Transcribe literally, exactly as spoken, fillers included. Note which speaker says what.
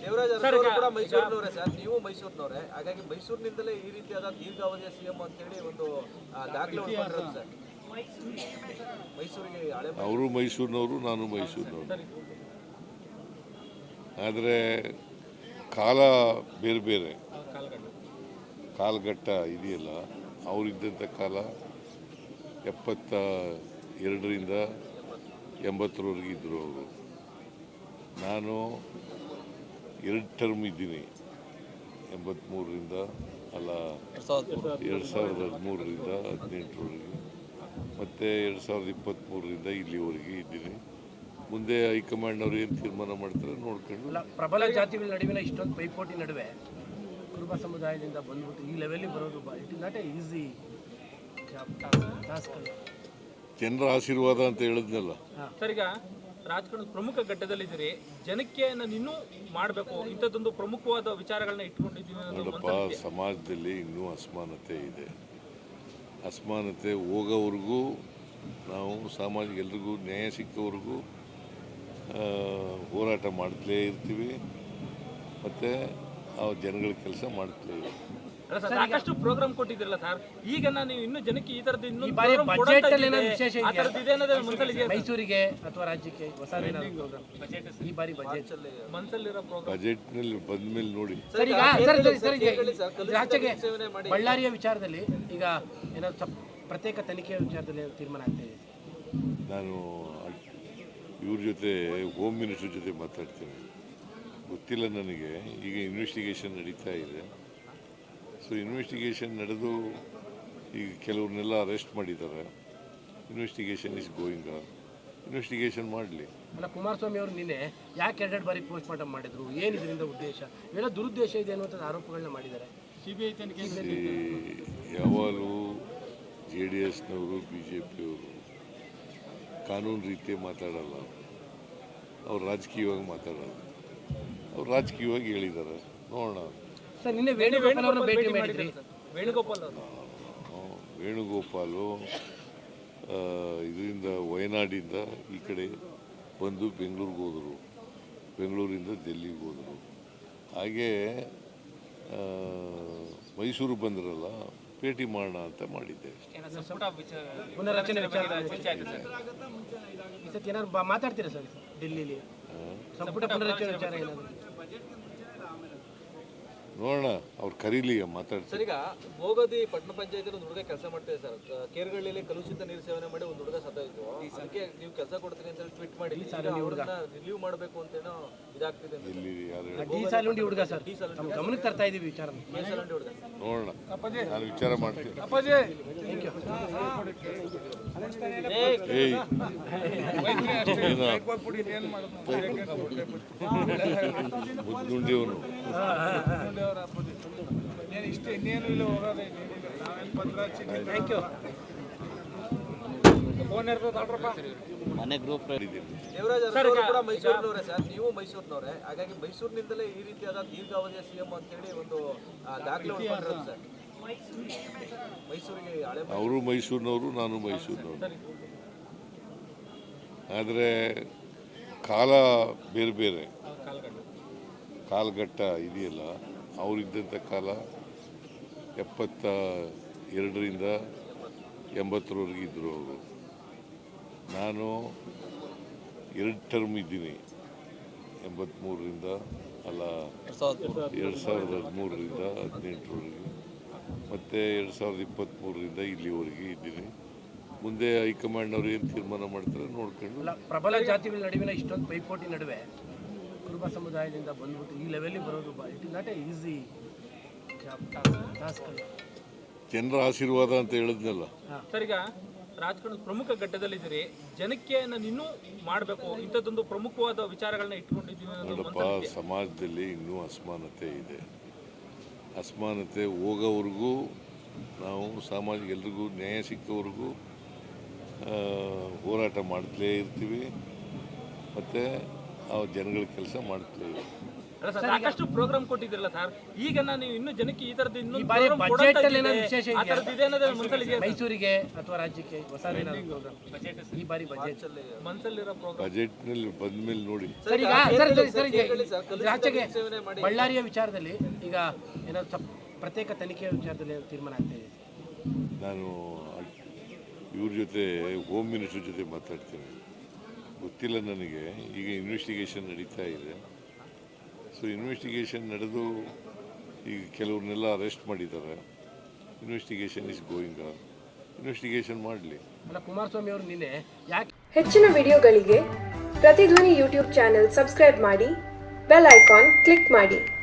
Speaker 1: ದೇವರಾಜ ಅರಸು ಕೂಡ ಮೈಸೂರಿನವರೇ ಸರ್, ನೀವು ಮೈಸೂರಿನವರೇ, ಹಾಗಾಗಿ ಮೈಸೂರಿನಿಂದಲೇ ಈ ರೀತಿಯಾದ ದೀರ್ಘಾವಧಿಯ ಸಿಎಂ ಅಂತೇಳಿ ಒಂದು ದಾಖಲೆ ಮಾಡಿರೋದು ಸರ್. ಮೈಸೂರಿಗೆ
Speaker 2: ಅವರು ಮೈಸೂರಿನವರು, ನಾನು ಮೈಸೂರಿನವರು. ಆದರೆ ಕಾಲ ಬೇರೆ ಬೇರೆ, ಕಾಲಘಟ್ಟ ಇದೆಯಲ್ಲ, ಅವರಿದ್ದಂಥ ಕಾಲ ಎಪ್ಪತ್ತ ಎರಡರಿಂದ ಎಂಬತ್ತರವರೆಗೆ ಇದ್ದರು ಅವರು. ನಾನು ಎರಡು ಟರ್ಮ್ ಇದ್ದೀನಿ, ಎಂಬತ್ತ್ಮೂರರಿಂದ ಅಲ್ಲ ಎರಡು ಸಾವಿರದ ಹದಿಮೂರರಿಂದ ಹದಿನೆಂಟರವರೆಗೆ, ಮತ್ತು ಎರಡು ಸಾವಿರದ ಇಪ್ಪತ್ತ್ಮೂರರಿಂದ ಇಲ್ಲಿವರೆಗೆ ಇದ್ದೀನಿ. ಮುಂದೆ ಹೈಕಮಾಂಡ್ನವ್ರು ಏನು ತೀರ್ಮಾನ ಮಾಡ್ತಾರೆ ನೋಡ್ಕೊಂಡು.
Speaker 3: ಪ್ರಬಲ ಜಾತಿಗಳ ನಡುವಿನ ಇಷ್ಟೊಂದು ಪೈಪೋಟಿ ನಡುವೆ ಕುರುಬ ಸಮುದಾಯದಿಂದ ಬಂದ್ಬಿಟ್ಟು ಈ ಲೆವೆಲ್ಗೆ ಬರೋದು it is not a easy task.
Speaker 2: ಜನರ ಆಶೀರ್ವಾದ ಅಂತ ಹೇಳಿದ್ನಲ್ಲ
Speaker 4: ಸರ್. ಈಗ ರಾಜಕಾರಣದ ಪ್ರಮುಖ ಘಟ್ಟದಲ್ಲಿದ್ದೀರಿ, ಜನಕ್ಕೆ ನಾನು ಇನ್ನೂ ಮಾಡಬೇಕು ಇಂಥದ್ದೊಂದು ಪ್ರಮುಖವಾದ ವಿಚಾರಗಳನ್ನ ಇಟ್ಕೊಂಡಿದ್ದೀನಿ.
Speaker 2: ನೋಡಪ್ಪ, ಸಮಾಜದಲ್ಲಿ ಇನ್ನೂ ಅಸಮಾನತೆ ಇದೆ. ಅಸಮಾನತೆ ಹೋಗೋವರೆಗೂ ನಾವು ಸಾಮಾಜಿಕ ಎಲ್ರಿಗೂ ನ್ಯಾಯ ಸಿಕ್ಕವರೆಗೂ ಹೋರಾಟ ಮಾಡ್ತಲೇ ಇರ್ತೀವಿ, ಮತ್ತು ಆ ಜನಗಳ ಕೆಲಸ ಮಾಡ್ತಲೇ ಇರ್ತೀವಿ.
Speaker 4: ಸಾಕಷ್ಟು ಪ್ರೋಗ್ರಾಮ್ ಕೊಟ್ಟಿದ್ರಲ್ಲ ಸರ್, ಈಗ ನಾನು ಇನ್ನು ಜನಕ್ಕೆ ಈ ತರದ್ದು ಇನ್ನೂ
Speaker 3: ಮೈಸೂರಿಗೆ ಅಥವಾ ರಾಜ್ಯಕ್ಕೆ ಹೊಸ ಈ ಬಾರಿ ಬಜೆಟ್
Speaker 4: ಮನಸ್ಸಲ್ಲಿರೋ ಪ್ರೋಗ್ರಾಮ್
Speaker 2: ಬಜೆಟ್ನಲ್ಲಿ ಬಂದ ಮೇಲೆ ನೋಡಿ.
Speaker 3: ರಾಜ್ಯಕ್ಕೆ ಬಳ್ಳಾರಿಯ ವಿಚಾರದಲ್ಲಿ ಈಗ ಏನಾದ್ರು ಪ್ರತ್ಯೇಕ ತನಿಖೆಯ ವಿಚಾರದಲ್ಲಿ ತೀರ್ಮಾನ ಆಗ್ತಾ ಇದೆ.
Speaker 2: ನಾನು ಇವ್ರ ಜೊತೆ ಹೋಮ್ ಮಿನಿಸ್ಟರ್ ಜೊತೆ ಮಾತಾಡ್ತೀನಿ, ಗೊತ್ತಿಲ್ಲ ನನಗೆ. ಈಗ ಇನ್ವೆಸ್ಟಿಗೇಷನ್ ನಡೀತಾ ಇದೆ. ಸೊ ಇನ್ವೆಸ್ಟಿಗೇಷನ್ ನಡೆದು ಈಗ ಕೆಲವ್ರನ್ನೆಲ್ಲ ಅರೆಸ್ಟ್ ಮಾಡಿದ್ದಾರೆ. Investigation is going on. Investigation ಮಾಡಲಿ.
Speaker 3: ಅಲ್ಲ, ಕುಮಾರಸ್ವಾಮಿ ಅವರು ನಿನ್ನೆ ಯಾಕೆ ಎರಡೆರಡು ಬಾರಿ ಪೋಸ್ಟ್ ಮಾರ್ಟಮ್ ಮಾಡಿದ್ರು, ಏನು ಇದರಿಂದ ಉದ್ದೇಶ, ಇವೆಲ್ಲ ದುರುದ್ದೇಶ ಇದೆ ಅನ್ನುವಂಥ ಆರೋಪಗಳನ್ನ ಮಾಡಿದ್ದಾರೆ. ಸಿಬಿಐ ತನಿಖೆ
Speaker 2: ಯಾವಾಗಲೂ ಜೆ ಡಿ ಎಸ್ನವರು, ಬಿ ಜೆ ಪಿಯವರು ಕಾನೂನು ರೀತಿ ಮಾತಾಡಲ್ಲ, ಅವ್ರು ರಾಜಕೀಯವಾಗಿ ಮಾತಾಡೋದು. ಅವ್ರು ರಾಜಕೀಯವಾಗಿ ಹೇಳಿದ್ದಾರೆ, ನೋಡೋಣ.
Speaker 3: ಸರ್, ನಿನ್ನೆ ವೇಣುಗೋಪಾಲ್ ಅವರನ್ನು ಭೇಟಿ ಮಾಡಿದ್ರಿ.
Speaker 4: ವೇಣುಗೋಪಾಲ್ ಅವರು
Speaker 2: ವೇಣುಗೋಪಾಲು ಇದರಿಂದ ವಯನಾಡಿಂದ ಈ ಕಡೆ ಬಂದು ಬೆಂಗಳೂರಿಗೆ ಹೋದರು, ಬೆಂಗಳೂರಿಂದ ಡೆಲ್ಲಿಗೆ ಹೋದರು. ಹಾಗೇ ಮೈಸೂರು ಬಂದ್ರಲ್ಲ, ಭೇಟಿ ಮಾಡೋಣ ಅಂತ ಮಾಡಿದ್ದೆ.
Speaker 3: ಪುನರಚನೆ ಏನಾದ್ರು ಮಾತಾಡ್ತೀರಾ ಸರ್ ಡೆಲ್ಲಿಲಿ? ಸಂಪುಟ ಪುನರಚನೆ ವಿಚಾರ ಏನಾದ್ರು
Speaker 2: ನೋಡೋಣ, ಅವ್ರು ಕರೀಲಿ, ಮಾತಾಡ್ತಾರೆ.
Speaker 1: ಸರ್, ಈಗ ಭೋಗದಿ ಪಟ್ಟಣ ಪಂಚಾಯತ್ ಒಂದು ಹುಡುಗ ಕೆಲಸ ಮಾಡ್ತಿದೆ ಸರ್. ಕೇರ್ಗಳ್ಳಿಯಲ್ಲಿ ಕಲುಷಿತ ನೀರು ಸೇವನೆ ಮಾಡಿ ಒಂದು ಹುಡುಗ ಸತ್ತೋಯ್ತು. ಅದಕ್ಕೆ ನೀವು ಕೆಲಸ ಕೊಡ್ತೀನಿ ಅಂತ ಟ್ವೀಟ್ ಮಾಡಿ ರಿಲೀವ್ ಮಾಡಬೇಕು ಅಂತೇನೋ ಇದಾಗ್ತಿದೆ.
Speaker 2: ಇಲ್ಲಿ
Speaker 3: ಡಿ ಸಾಲುಂಡಿ ಹುಡುಗ ಸರ್, ಗಮನಕ್ಕೆ ತರ್ತಾ ಇದೀವಿ ವಿಚಾರ.
Speaker 2: ನೋಡೋಣ, ನಾನು ವಿಚಾರ ಮಾಡ್ತೀನಿ. ಮುದ್ದುಂಡಿಯವನು
Speaker 1: ದೇವರಾಜ ಅರಸು ಕೂಡ ಮೈಸೂರಿನವರೇ ಸರ್, ನೀವು ಮೈಸೂರಿನವರೇ, ಹಾಗಾಗಿ ಮೈಸೂರಿನಿಂದಲೇ ಈ ರೀತಿಯಾದ ದೀರ್ಘಾವಧಿಯ ಸಿಎಂ ಅಂತೇಳಿ ಒಂದು ದಾಖಲೆ ಮಾಡಿರೋದು ಸರ್. ಮೈಸೂರಿಗೆ
Speaker 2: ಅವರು ಮೈಸೂರಿನವರು, ನಾನು ಮೈಸೂರಿನವರು. ಆದರೆ ಕಾಲ ಬೇರೆ ಬೇರೆ, ಕಾಲಘಟ್ಟ ಇದೆಯಲ್ಲ, ಅವರಿದ್ದಂಥ ಕಾಲ ಎಪ್ಪತ್ತ ಎರಡರಿಂದ ಎಂಬತ್ತರವರೆಗೆ ಇದ್ದರು ಅವರು. ನಾನು ಎರಡು ಟರ್ಮ್ ಇದ್ದೀನಿ, ಎಂಬತ್ತ್ಮೂರರಿಂದ ಅಲ್ಲ ಎರಡು ಸಾವಿರದ ಹದಿಮೂರರಿಂದ ಹದಿನೆಂಟರವರೆಗೆ, ಮತ್ತು ಎರಡು ಸಾವಿರದ ಇಪ್ಪತ್ತ್ಮೂರರಿಂದ ಇಲ್ಲಿವರೆಗೆ ಇದ್ದೀನಿ. ಮುಂದೆ ಹೈಕಮಾಂಡ್ನವ್ರು ಏನು ತೀರ್ಮಾನ ಮಾಡ್ತಾರೆ ನೋಡ್ಕೊಂಡು.
Speaker 3: ಪ್ರಬಲ ಜಾತಿಗಳ ನಡುವಿನ ಇಷ್ಟೊಂದು ಪೈಪೋಟಿ ನಡುವೆ ಕುರುಬ ಸಮುದಾಯದಿಂದ ಬಂದ್ಬಿಟ್ಟು ಈ ಲೆವೆಲ್ಗೆ ಬರೋದು it is not a easy task.
Speaker 2: ಜನರ ಆಶೀರ್ವಾದ ಅಂತ ಹೇಳಿದ್ನಲ್ಲ
Speaker 4: ಸರ್. ಈಗ ರಾಜಕಾರಣದ ಪ್ರಮುಖ ಘಟ್ಟದಲ್ಲಿದ್ದೀರಿ, ಜನಕ್ಕೆ ನಾನು ಇನ್ನೂ ಮಾಡಬೇಕು ಇಂಥದ್ದೊಂದು ಪ್ರಮುಖವಾದ ವಿಚಾರಗಳನ್ನ ಇಟ್ಕೊಂಡಿದ್ದೀನಿ.
Speaker 2: ನೋಡಪ್ಪ, ಸಮಾಜದಲ್ಲಿ ಇನ್ನೂ ಅಸಮಾನತೆ ಇದೆ. ಅಸಮಾನತೆ ಹೋಗೋವರೆಗೂ ನಾವು ಸಾಮಾಜಿಕ ಎಲ್ರಿಗೂ ನ್ಯಾಯ ಸಿಕ್ಕವರೆಗೂ ಹೋರಾಟ ಮಾಡ್ತಲೇ ಇರ್ತೀವಿ, ಮತ್ತು ಆ ಜನಗಳ ಕೆಲಸ ಮಾಡ್ತಲೇ ಇರ್ತೀವಿ.
Speaker 4: ಅಲ್ಲ ಸರ್, ಸಾಕಷ್ಟು ಪ್ರೋಗ್ರಾಮ್ ಕೊಟ್ಟಿದ್ರಲ್ಲ ಸರ್, ಈಗ ನಾನು ನೀವು ಇನ್ನೂ ಜನಕ್ಕೆ ಈ ತರದ್ದು
Speaker 3: ಈ
Speaker 4: ಇನ್ನೊಂದು
Speaker 3: ಬಾರಿ
Speaker 4: program
Speaker 3: ಬಜೆಟ್
Speaker 4: ಕೊಡಂತ
Speaker 3: ಅಲ್ಲಿ ಏನಾದ್ರು
Speaker 4: ಇದೆ.
Speaker 3: ವಿಶೇಷ
Speaker 4: ಆ
Speaker 3: ಇದೆಯಾ?
Speaker 4: ಥರದ್ದು ಇದೆ ಅನ್ನೋದು ಮನಸ್ಸಲ್ಲಿ ಇದೆಯಾ ಸರ್?
Speaker 3: ಮೈಸೂರಿಗೆ ಅಥವಾ ರಾಜ್ಯಕ್ಕೆ ಹೊಸ ಪ್ರೋಗ್ರಾಮ್ ಈ ಬಾರಿ ಬಜೆಟ್
Speaker 4: ಮನಸ್ಸಲ್ಲಿರೋ ಪ್ರೋಗ್ರಾಮ್
Speaker 2: ಬಜೆಟ್ನಲ್ಲಿ ಬಂದ್ಮೇಲೆ ನೋಡಿ.
Speaker 3: ಸರ್ ಈಗ ಸರ್ ಸರಿ ಸರಿ ಈಗ
Speaker 1: ಹೇಳಿ ಸರ್, ಕಲುಷಿತ
Speaker 3: ರಾಜ್ಯಕ್ಕೆ
Speaker 1: ನೀರು ಸೇವನೆ ಮಾಡಿ
Speaker 3: ಬಳ್ಳಾರಿಯ ವಿಚಾರದಲ್ಲಿ ಈಗ ಏನಾದ್ರು ಸ್ವಲ್ಪ ಪ್ರತ್ಯೇಕ ತನಿಖೆಯ ವಿಚಾರದಲ್ಲಿ ಏನಾದ್ರು ತೀರ್ಮಾನ ಆಗ್ತಾ ಇದೆ?
Speaker 2: ನಾನು ಇವ್ರ ಜೊತೆ ಹೋಮ್ ಮಿನಿಸ್ಟರ್ ಜೊತೆ ಮಾತಾಡ್ತೀನಿ, ಗೊತ್ತಿಲ್ಲ ನನಗೆ. ಈಗ ಇನ್ವೆಸ್ಟಿಗೇಷನ್ ನಡೀತಾ ಇದೆ. ಸೊ ಇನ್ವೆಸ್ಟಿಗೇಷನ್ ನಡೆದು ಈಗ ಕೆಲವ್ರನ್ನೆಲ್ಲ ಅರೆಸ್ಟ್ ಮಾಡಿದ್ದಾರೆ. Investigation is going on. Investigation ಮಾಡಲಿ.
Speaker 3: ಅಲ್ಲ, ಕುಮಾರಸ್ವಾಮಿ ಅವರು ನಿನ್ನೆ ಯಾಕೆ
Speaker 5: ಹೆಚ್ಚಿನ ವಿಡಿಯೋಗಳಿಗೆ ಪ್ರತಿಧ್ವನಿ ಯೂಟ್ಯೂಬ್ ಚಾನೆಲ್ ಸಬ್ಸ್ಕ್ರೈಬ್ ಮಾಡಿ, ಬೆಲ್ ಐಕಾನ್ ಕ್ಲಿಕ್ ಮಾಡಿ.